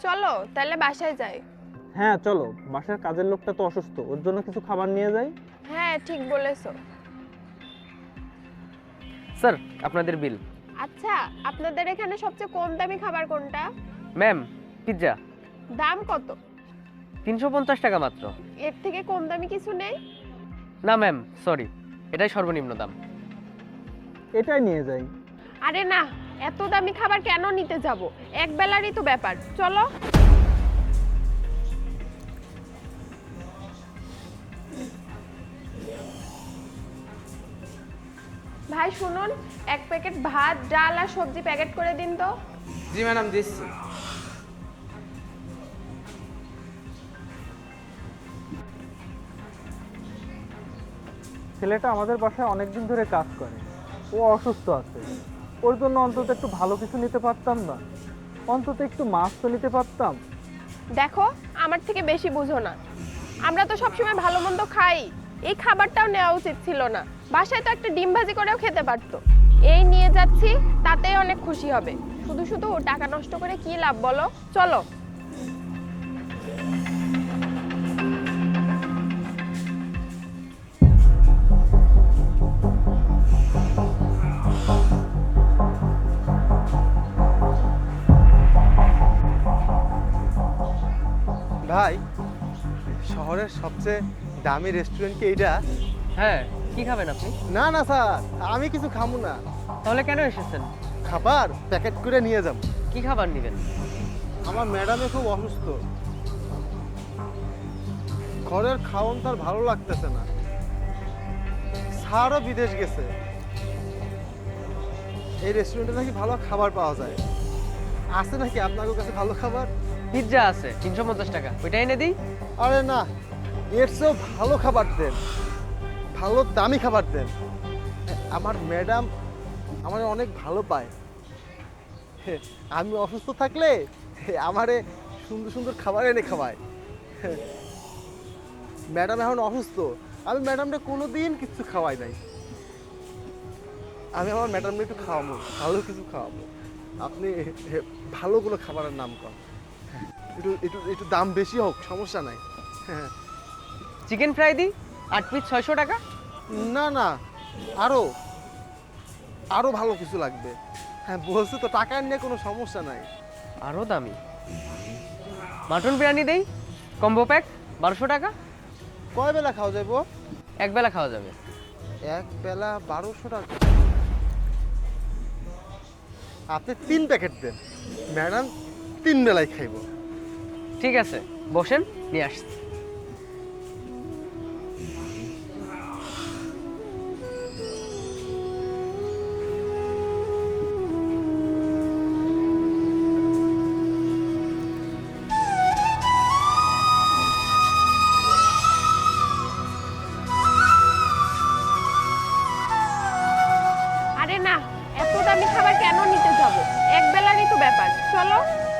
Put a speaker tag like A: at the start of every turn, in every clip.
A: চলো তাহলে বাসায় যাই।
B: হ্যাঁ চলো, বাসার কাজের লোকটা তো অসুস্থ, ওর জন্য কিছু খাবার নিয়ে যাই।
A: হ্যাঁ ঠিক বলেছো।
C: স্যার আপনাদের বিল।
A: আচ্ছা, আপনাদের এখানে সবচেয়ে কম দামি খাবার কোনটা?
C: ম্যাম পিৎজা
A: দাম কত?
C: 350 টাকা মাত্র।
A: এর থেকে কম দামি কিছু নেই?
C: না ম্যাম সরি, এটাই সর্বনিম্ন দাম।
B: এটাই নিয়ে যাই।
A: আরে না, এত দামি খাবার কেন নিতে যাব? এক বেলারই তো ব্যাপার, চলো। ভাই শুনুন, এক প্যাকেট ভাত ডাল আর সবজি প্যাকেট করে দিন তো।
D: জি ম্যাডাম দিচ্ছি।
B: ছেলেটা আমাদের বাসায় অনেকদিন ধরে কাজ করে, ও অসুস্থ আছে, ওর জন্য অন্তত একটু ভালো কিছু নিতে পারতাম না? অন্তত একটু মাছ তো নিতে পারতাম।
A: দেখো, আমার থেকে বেশি বুঝো না। আমরা তো সবসময় ভালো মন্দ খাই, এই খাবারটাও নেওয়া উচিত ছিল না। বাসায় তো একটা ডিম ভাজি করেও খেতে পারতো। এই নিয়ে যাচ্ছি, তাতেই অনেক খুশি হবে। শুধু শুধু টাকা নষ্ট করে কি লাভ বলো? চলো।
D: ভাই, শহরের সবচেয়ে দামি রেস্টুরেন্ট কি এইটা?
C: হ্যাঁ, কি খাবেন আপনি?
D: না না স্যার, আমি কিছু খাবো না।
C: তাহলে কেন এসেছেন?
D: খাবার প্যাকেট করে নিয়ে যাব।
C: কি খাবার নেবেন?
D: আমার ম্যাডামে খুব অসুস্থ, ঘরের খাওয়ান তার ভালো লাগতেছে না। স্যারও বিদেশ গেছে, এই রেস্টুরেন্টে নাকি ভালো খাবার পাওয়া যায়। আছে নাকি আপনাদের কাছে ভালো খাবার?
C: পিৎজা আছে 350 টাকা, ওইটা এনে দিই।
D: আরে না, এর চেয়েও ভালো খাবার দেন, ভালো দামি খাবার দেন। আমার ম্যাডাম আমার অনেক ভালো পায়। আমি অসুস্থ থাকলে আমারে সুন্দর সুন্দর খাবার এনে খাওয়ায়। ম্যাডাম এখন অসুস্থ, আমি ম্যাডামটা কোনো দিন কিছু খাওয়াই নাই। আমি আমার ম্যাডামকে একটু খাওয়াবো, ভালো কিছু খাওয়াবো। আপনি ভালো কোনো খাবারের নাম কর, একটু একটু একটু দাম বেশি হোক, সমস্যা নাই। হ্যাঁ,
C: চিকেন ফ্রাই দিই 8 পিস 600 টাকা।
D: না না, আরো আরো ভালো কিছু লাগবে। হ্যাঁ বলছি তো, টাকা নিয়ে কোনো সমস্যা নাই।
C: আরও দামি মাটন বিরিয়ানি দেই, কম্বো প্যাক 1200 টাকা।
D: কয় বেলা খাওয়া যাবো?
C: এক বেলা খাওয়া যাবে।
D: এক বেলা 1200 টাকা। আপনি 3 প্যাকেট দেন, ম্যাডাম 3 বেলায় খাইব।
C: ঠিক আছে, বসেন, নিয়ে আসছি।
A: আরে না, এত দামি খাবার কেন নিতে যাব? এক বেলারই তো ব্যাপার, চলো।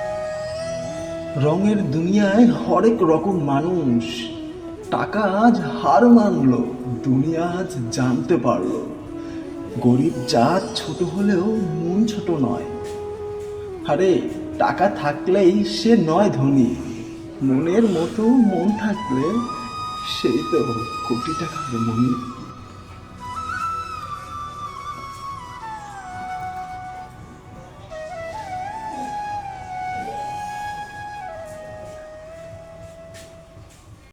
E: রঙের দুনিয়ায় হরেক রকম মানুষ। টাকা আজ হার মানলো, দুনিয়া আজ জানতে পারলো। গরিব জাত ছোট হলেও মন ছোট নয়। আরে টাকা থাকলেই সে নয় ধনী, মনের মতো মন থাকলে সেই তো কোটি টাকার মনি।